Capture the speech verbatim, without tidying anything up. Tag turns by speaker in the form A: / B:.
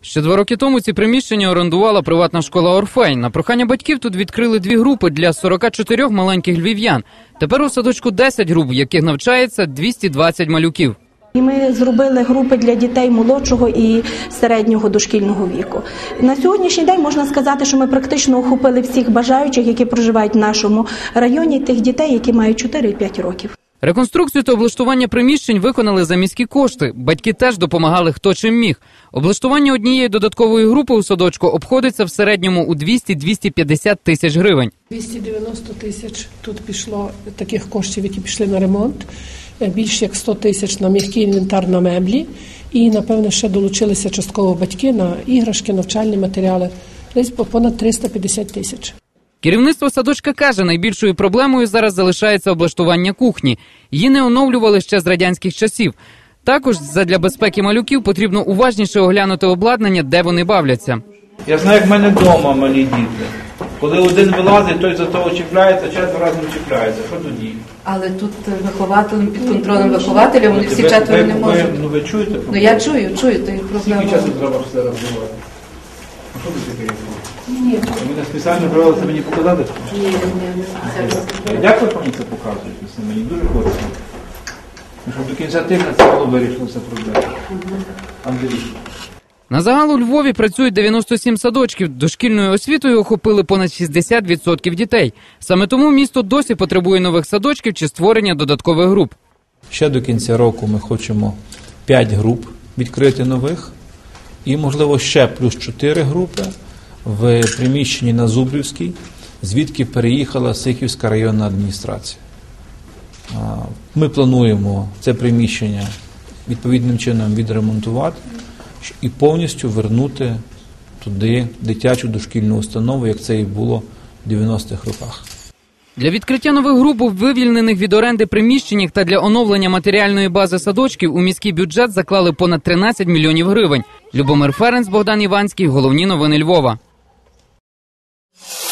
A: Ще два роки тому ці приміщення орендувала приватна школа «Орфей». На прохання батьків тут відкрили дві групи для сорока чотирьох маленьких львів'ян. Тепер у садочку десять груп, в яких навчається двісті двадцять малюків.
B: І ми зробили групи для дітей молодшого і середнього дошкільного віку. На сьогоднішній день можна сказати, що ми практично охопили всіх бажаючих, які проживають в нашому районі, тих дітей, які мають чотири-п'ять років.
A: Реконструкцію та облаштування приміщень виконали за міські кошти. Батьки теж допомагали хто чим міг. Облаштування однієї додаткової групи у садочку обходиться в середньому у двісті - двісті п'ятдесят тисяч гривень.
C: двісті дев'яносто тисяч тут пішло таких коштів, які пішли на ремонт. Більше як сто тисяч на м'який інвентар, на меблі. І, напевно, ще долучилися частково батьки на іграшки, навчальні матеріали. Десь понад триста п'ятдесят тисяч.
A: Керівництво садочка каже, найбільшою проблемою зараз залишається облаштування кухні. Її не оновлювали ще з радянських часів. Також задля безпеки малюків потрібно уважніше оглянути обладнання, де вони бавляться.
D: Я знаю, як в мене вдома малі діти. Коли один вилазить, той за того чіпляється, четверо разом чіпляється. Що тоді?
E: Але тут вихователем, під контролем вихователя, вони всі четверо не можуть.
D: Ну ви чуєте?
E: Ну я чую, чую, то і проблема.
D: Скільки часу треба все розвивати? А що ви таке? Ні. Ви не спеціально брали це мені показати?
E: Ні, ні, ні.
D: Як ви мені це показуєте? Мені дуже хочеться. Щоб до кінця тижня це було вирішено, все проблема. Андрій.
A: На загал у Львові працюють дев'яносто сім садочків. Дошкільною освітою охопили понад шістдесят відсотків дітей. Саме тому місто досі потребує нових садочків чи створення додаткових груп.
F: Ще до кінця року ми хочемо п'ять груп відкрити нових і, можливо, ще плюс чотири групи в приміщенні на Зубрівській, звідки переїхала Сихівська районна адміністрація. Ми плануємо це приміщення відповідним чином відремонтувати і повністю вернути туди дитячу дошкільну установу, як це і було в дев'яностих роках.
A: Для відкриття нових груп у вивільнених від оренди приміщеннях та для оновлення матеріальної бази садочків у міський бюджет заклали понад тринадцять мільйонів гривень. Любомир Ференц, Богдан Іванський. Головні новини Львова.